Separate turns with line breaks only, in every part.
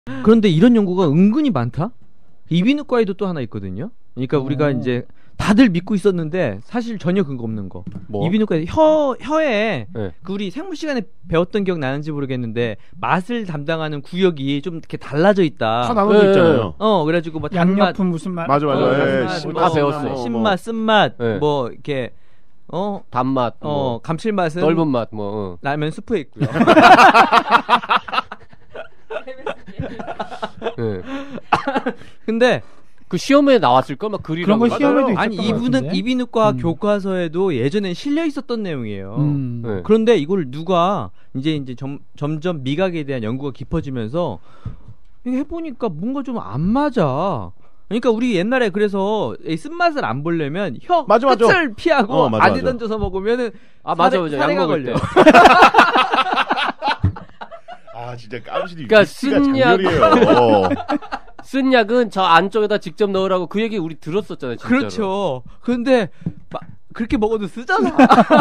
그런데 이런 연구가 은근히 많다? 이비인후과에도 또 하나 있거든요. 그러니까 우리가 이제 다들 믿고 있었는데 사실 전혀 근거 없는 거.
뭐?
이비인후과에 혀에
네.
그 우리 생물 시간에 배웠던 기억 나는지 모르겠는데 맛을 담당하는 구역이 좀 이렇게 달라져 있다.
다 나눠져 있잖아요.
그래가지고 뭐 단맛,
양옆은 무슨 맛?
맞아.
단맛,
다 배웠어.
신맛, 쓴맛,
네.
뭐 이렇게
단맛,
감칠맛은
떫은 맛,
라면 스프에 있고요.
네.
근데
그 시험에 나왔을 걸 막 그리라고.
그런 거 시험에도 있었던
아니
것 같은데?
이비인후과 교과서에도 예전엔 실려 있었던 내용이에요.
네.
그런데 이걸 누가 이제 점점 미각에 대한 연구가 깊어지면서 이거 해보니까 뭔가 좀 안 맞아. 그러니까 우리 옛날에 그래서 이 쓴맛을 안 보려면 혀
맞아.
끝을 피하고
맞아.
안에 던져서 먹으면은
맞아.
사례가
약 먹을
걸려.
때.
아 진짜 깜찍이.
그러니까
장렬이에요.
쓴 약은 저 안쪽에다 직접 넣으라고 그 얘기 우리 들었었잖아요. 진짜로.
그렇죠. 근데 그렇게 먹어도 쓰잖아.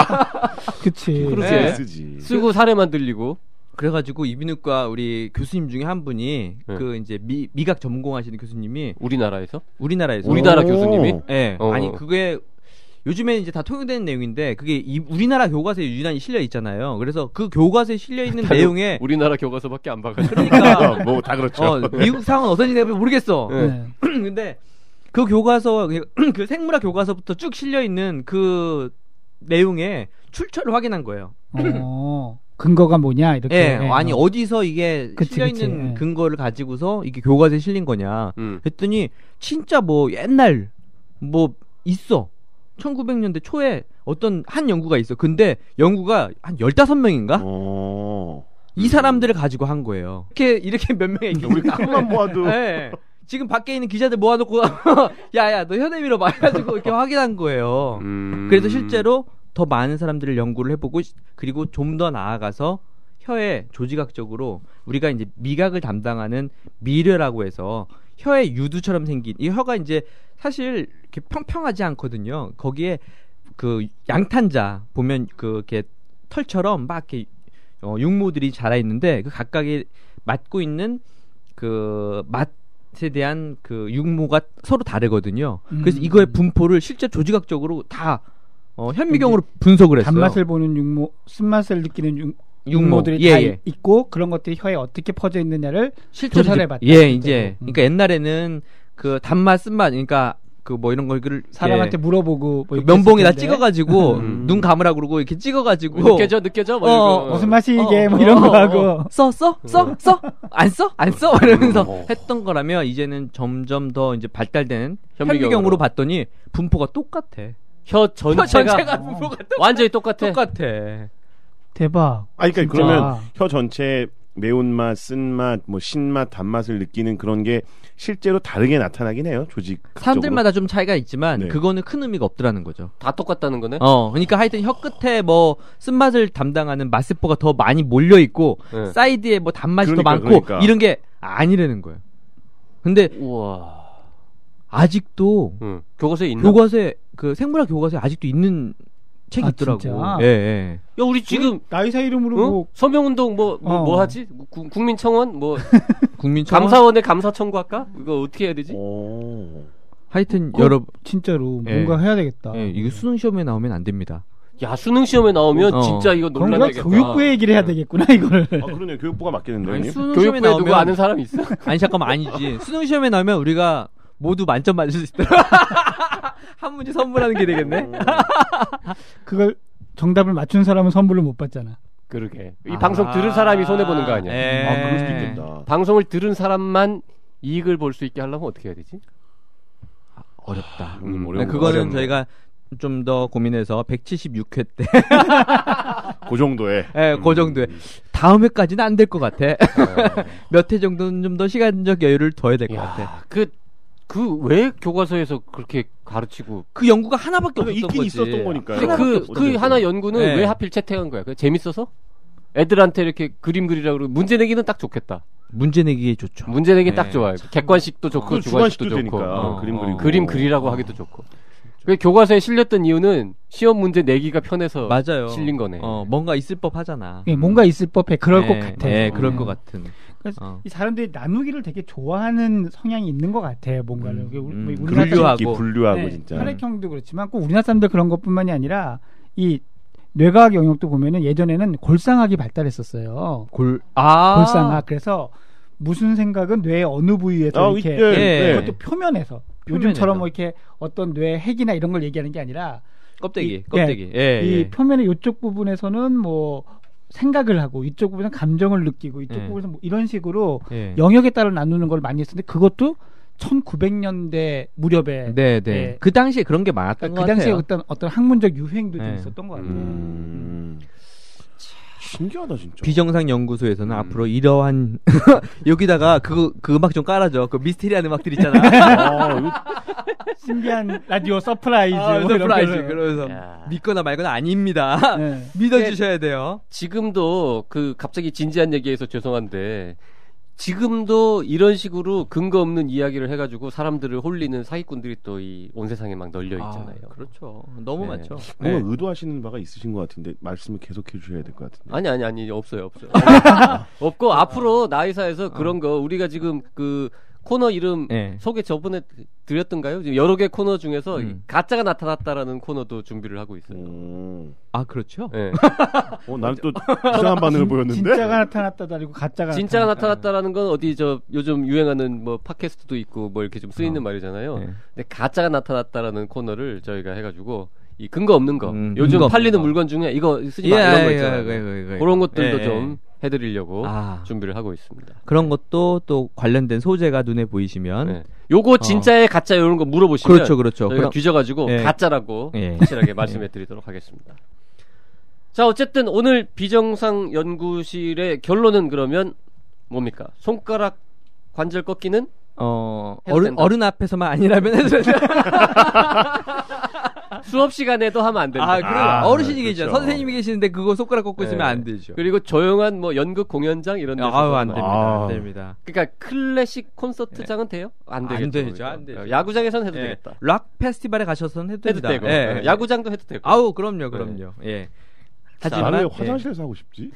그치.
그렇지.
네.
쓰지.
쓰고 사례만 들리고.
그래가지고 이비인후과 우리 교수님 중에 한 분이
네.
그 이제 미각 전공하시는 교수님이
우리나라에서
우리나라
교수님이.
예.
어.
아니 그게 요즘에 이제 다 통용되는 내용인데 그게 우리나라 교과서에 유난히 실려 있잖아요. 그래서 그 교과서에 실려 있는 내용에
우리나라 교과서밖에 안 봐가지고.
그러니까
뭐 다 그렇죠.
미국 상은 어떤지 모르겠어.
네.
근데 그 교과서 그 생물학 교과서부터 쭉 실려 있는 그 내용에 출처를 확인한 거예요.
근거가 뭐냐 이렇게.
예, 아니 어디서 이게
그치,
실려
그치.
있는 근거를 가지고서 이게 교과서에 실린 거냐.
음.
했더니 진짜 뭐 옛날 뭐 있어. 1900년대 초에 어떤 한 연구가 있어. 근데 연구가 한 15명인가? 이 사람들을 가지고 한 거예요. 이렇게 몇 명의
우리 그것만 모아도.
네. 지금 밖에 있는 기자들 모아놓고 야야 너 혀내 밀어봐 해가지고 이렇게 확인한 거예요. 그래서 실제로 더 많은 사람들을 연구를 해보고 그리고 좀 더 나아가서 혀에 조직학적으로 우리가 이제 미각을 담당하는 미뢰라고 해서 혀의 유두처럼 생긴 이 혀가 이제 사실 이렇게 평평하지 않거든요. 거기에 그 양탄자 보면 이렇게 털처럼 막 이렇게 육모들이 자라 있는데 그 각각이 맡고 있는 그 맛에 대한 그 육모가 서로 다르거든요. 그래서 이거의 분포를 실제 조직학적으로 다 현미경으로 분석을 했어요.
단맛을 보는 육모, 쓴맛을 느끼는 육모들이 다 있고 그런 것들이 혀에 어떻게 퍼져 있느냐를
실제로
조사를 해봤다.
이제 그러니까 옛날에는 그 단맛, 쓴맛, 그러니까 그 뭐 이런 걸
사람한테 물어보고 뭐
면봉에다 찍어가지고 눈 감으라 그러고 이렇게 찍어가지고
느껴져 뭐
무슨 맛이 이게 뭐 이런 거 하고
써 안 써 이러면서 했던 거라면 이제는 점점 더 이제 발달된 현미경으로 봤더니 분포가 똑같아.
혀 전체가
분포가
완전히 똑같아.
대박.
그러니까 그러면 혀 전체 매운맛, 쓴맛, 뭐 신맛, 단맛을 느끼는 그런 게 실제로 다르게 나타나긴 해요. 조직
사람들마다 좀 차이가 있지만
네.
그거는 큰 의미가 없더라는 거죠.
다 똑같다는 거네.
그러니까 하여튼 혀 끝에 뭐 쓴맛을 담당하는 맛세포가 더 많이 몰려 있고 사이드에 뭐 단맛이 더 많고 이런 게 아니라는 거예요. 근데
우와.
아직도
교과서에 있나?
교과서에 그 생물학 교과서에 아직도 있는 책이 있더라고.
진짜?
예.
야 우리 지금
나이사 이름으로 뭐
서명운동 뭐 하지? 국민청원 뭐
국민청원
감사원에 감사 청구할까? 이거 어떻게 해야 되지?
하여튼 여러분
진짜로 뭔가 해야 되겠다.
이거 수능 시험에 나오면 안 됩니다.
야 수능 시험에 나오면 진짜 이거 논란되겠다.
교육부의 얘기를 해야 되겠구나 이거를.
그러네. 교육부가 맡겠는데.
수능 시험에 나오면
누구 아는 사람 있어?
아니 잠깐만 아니지. 수능 시험에 나오면 우리가 모두 만점 맞을 수 있더라. 한 문제 선물하는 게 되겠네.
그걸 정답을 맞춘 사람은 선물을 못 받잖아.
그러게. 이 방송 들은 사람이 손해 보는 거 아니야?
그럴 수도 있겠다.
방송을 들은 사람만 이익을 볼 수 있게 하려면 어떻게 해야 되지?
어렵다.
어려운
그거는 저희가 좀 더 고민해서 176회 때
그 정도에
그 정도에 다음 회까지는 안 될 것 같아. 몇 회 정도는 좀 더 시간적 여유를 둬야 될 것 같아.
왜 교과서에서 그렇게 가르치고
그 연구가 하나밖에 없었던
있긴
거지.
있었던 거니까요.
그 하나 연구는 왜 하필 채택한 거야? 재밌어서? 애들한테 이렇게 그림 그리라고 그러고 문제 내기는 딱 좋겠다.
문제 내기 좋죠.
문제 내기 딱 좋아요. 객관식도 좋고 주관식도 좋고
되니까.
그림 그리라고 하기도 좋고. 그 교과서에 실렸던 이유는 시험 문제 내기가 편해서
맞아요.
실린 거네.
뭔가 있을 법 하잖아.
뭔가 있을 법해. 그럴 것 같아.
그럴 것 같은.
그래서 이 사람들이 나누기를 되게 좋아하는 성향이 있는 것 같아요. 뭔가를
분류하고
네,
진짜.
혈액형도 그렇지만 꼭 우리나라 사람들 그런 것뿐만이 아니라 이 뇌과학 영역도 보면은 예전에는 골상학이 발달했었어요. 골상학. 그래서 무슨 생각은 뇌의 어느 부위에서 이렇게 그것도 표면에서 요즘처럼 뭐 이렇게 어떤 뇌 핵이나 이런 걸 얘기하는 게 아니라
껍데기.
이 표면의 이쪽 부분에서는 뭐 생각을 하고 이쪽 부분에서 감정을 느끼고 이쪽 부분에서 뭐 이런 식으로 영역에 따라 나누는 걸 많이 했었는데 그것도 1900년대 무렵에
그 당시에 그런 게 많았던 것 같아요.
그 당시에 어떤 학문적 유행도 좀 있었던 것 같아요.
신기하다 진짜.
비정상 연구소에서는 앞으로 이러한 여기다가 그 음악 좀 깔아줘. 그 미스테리한 음악들 있잖아.
신기한 라디오 서프라이즈.
서프라이즈. 그러면서 믿거나 말거나 아닙니다. 믿어주셔야 돼요.
지금도 그 갑자기 진지한 얘기해서 죄송한데 지금도 이런 식으로 근거 없는 이야기를 해가지고 사람들을 홀리는 사기꾼들이 또 이 온 세상에 막 널려 있잖아요.
그렇죠. 너무 많죠.
뭔가 의도하시는 바가 있으신 것 같은데 말씀을 계속해 주셔야 될 것 같은데.
아니 없어요. 없고 앞으로 나이사에서 그런 거 우리가 지금 그 코너 이름 소개 저번에 드렸던가요? 지금 여러 개 코너 중에서 가짜가 나타났다라는 코너도 준비를 하고 있어요.
아 그렇죠?
네.
나는 또 이상한 반응을 보였는데.
진짜가 나타났다도 아니고 가짜가
나타났다라는 건 어디 저 요즘 유행하는 뭐 팟캐스트도 있고 뭐 이렇게 좀 쓰이는 말이잖아요. 근데 가짜가 나타났다라는 코너를 저희가 해가지고 이 근거 없는 거 요즘
근거
팔리는 물건 중에 이거 쓰지 마 이런 거 있잖아요. 그런 것들도 좀 해드리려고 준비를 하고 있습니다.
그런 것도 또 관련된 소재가 눈에 보이시면
요거 진짜의 가짜 이런 거 물어보시면
그렇죠.
저희가 뒤져가지고 가짜라고 확실하게 말씀해드리도록 하겠습니다. 자 어쨌든 오늘 비정상 연구실의 결론은 그러면 뭡니까? 손가락 관절 꺾기는
어른 앞에서만 아니라면 해도 된다.
수업 시간에도 하면 안 된다.
그래. 어르신이 계시죠. 선생님이 계시는데 그거 손가락 꺾고 있으면 안 되죠.
그리고 조용한 뭐 연극 공연장 이런 데서
안 됩니다. 안 됩니다.
그러니까 클래식 콘서트장은 돼요? 안 되죠.
안 되죠.
야구장에서는 해도 되겠다.
락 페스티벌에 가셔서는 해도 됩니다.
되고. 야구장도 해도 되고.
그럼요.
하지만 왜 화장실에서 하고 싶지?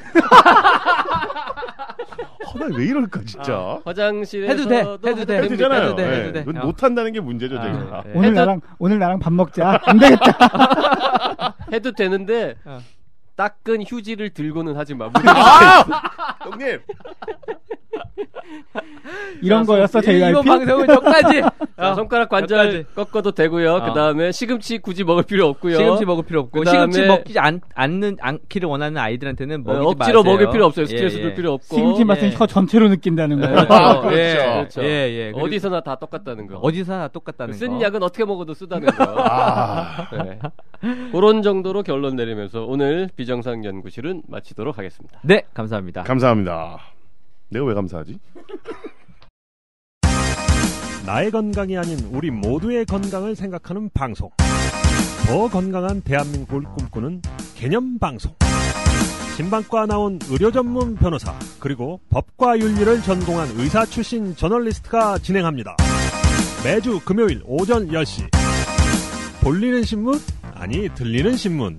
나 왜 이럴까 진짜.
화장실에서
해도 돼.
못 한다는 게 문제죠, 제가.
오늘 나랑 밥 먹자. 안 되겠다.
해도 되는데 닦은 휴지를 들고는 하지 마.
형님.
이런 거였어 JYP?
이번 방송은 여기까지.
손가락 관절 꺾어도 되고요. 그 다음에 시금치 굳이 먹을 필요 없고요.
시금치 먹을 필요 없고 시금치 먹지 않기를 원하는 아이들한테는 먹이지
억지로
마세요.
먹일 필요 없어요. 스트레스 줄 필요 없고.
시금치 맛은 혀 전체로 느낀다는 거.
그렇죠. 어디서나 다 똑같다는 거. 쓴 약은 어떻게 먹어도 쓰다는 거. 그런 정도로 결론 내리면서 오늘 비정상 연구실은 마치도록 하겠습니다.
네, 감사합니다.
감사합니다. 내가 왜 감사하지?
나의 건강이 아닌 우리 모두의 건강을 생각하는 방송. 더 건강한 대한민국을 꿈꾸는 개념방송. 신방과 나온 의료 전문 변호사 그리고 법과 윤리를 전공한 의사 출신 저널리스트가 진행합니다. 매주 금요일 오전 10시. 볼리는 신문? 아니 들리는 신문.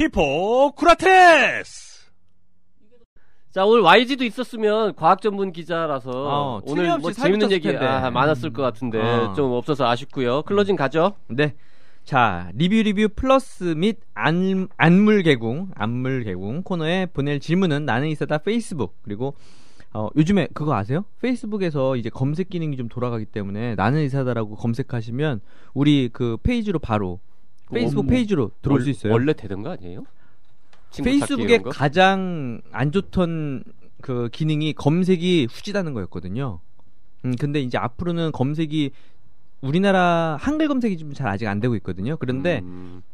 히포크라테스!
자, 오늘 YG도 있었으면 과학 전문 기자라서 오늘 뭐 재밌는 얘기 많았을 것 같은데 좀 없어서 아쉽고요. 클로징 가죠.
네. 자, 리뷰 플러스 및 안물 개궁 코너에 보낼 질문은 나는 이사다 페이스북 그리고 요즘에 그거 아세요? 페이스북에서 이제 검색 기능이 좀 돌아가기 때문에 나는 이사다라고 검색하시면 우리 그 페이지로 바로 페이스북 페이지로 들어올 수 있어요.
원래 되던 거 아니에요?
페이스북에 가장 안 좋던 그 기능이 검색이 후지다는 거였거든요. 근데 이제 앞으로는 검색이 우리나라 한글 검색이 좀 잘 아직 안 되고 있거든요. 그런데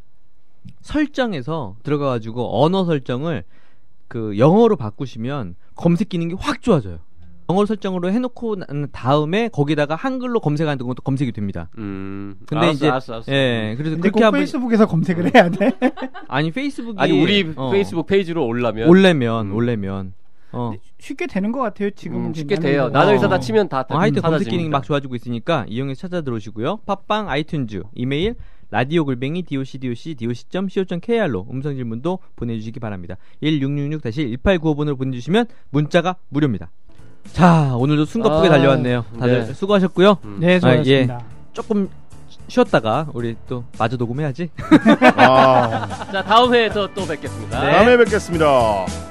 설정에서 들어가가지고 언어 설정을 그 영어로 바꾸시면 검색 기능이 확 좋아져요. 영어 설정으로 해놓고 난 다음에 거기다가 한글로 검색하는 것도 검색이 됩니다. 근데
알았어.
그래서
근데
그렇게
꼭 페이스북에서 검색을 해야 돼?
아니 페이스북이
우리 페이스북 페이지로
올려면
쉽게 되는 것 같아요. 지금
쉽게 돼요. 나는 이사다 치면 다
하여튼 검색 기능이 막 좋아지고 있으니까 이용해서 찾아 들어오시고요. 팟빵, 아이튠즈, 이메일 radio@doc.co.kr로 음성 질문도 보내주시기 바랍니다. 1666-1895번으로 보내주시면 문자가 무료입니다. 자, 오늘도 숨가쁘게 달려왔네요. 다들 수고하셨고요.
네, 수고하셨습니다.
조금 쉬었다가 우리 또 마저 녹음해야지.
자, 다음 회에서 또 뵙겠습니다.
다음에 뵙겠습니다.